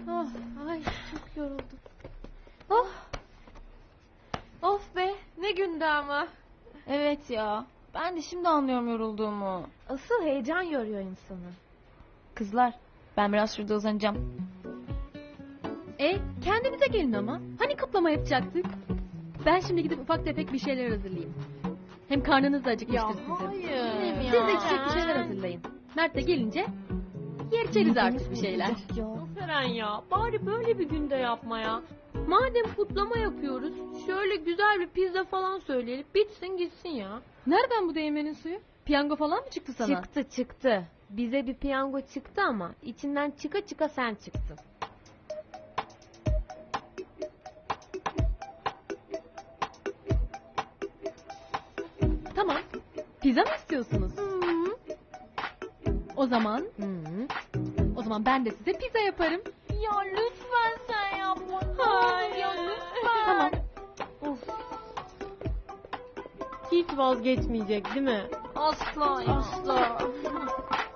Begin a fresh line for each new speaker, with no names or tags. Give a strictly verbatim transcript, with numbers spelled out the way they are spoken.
Oh, ay çok yoruldum. Oh. Of be, ne gündü ama.
Evet ya. Ben de şimdi anlıyorum yorulduğumu.
Asıl heyecan yoruyor insanı.
Kızlar, ben biraz şurada uzanacağım.
E kendinize gelin ama. Hani kutlama yapacaktık? Ben şimdi gidip ufak tefek bir şeyler hazırlayayım. Hem karnınız da acıkmıştır sizin.
hayır.
Siz de içecek bir şeyler hazırlayın. Mert de gelince yer içeriz artık bir şeyler.
Seren ya, bari böyle bir günde yapma ya. Madem kutlama yapıyoruz, şöyle güzel bir pizza falan söyleyelim, bitsin gitsin ya.
Nereden bu değirmenin suyu? Piyango falan mı çıktı sana?
Çıktı çıktı. Bize bir piyango çıktı ama içinden çıka çıka sen çıktın.
Tamam. Pizza mı istiyorsunuz?
Hı
O zaman,
hı.
o zaman ben de size pizza yaparım.
Ya lütfen sen yapma. Hayır. Ya lütfen.
Tamam.
Of. Hiç vazgeçmeyecek değil mi? Asla asla.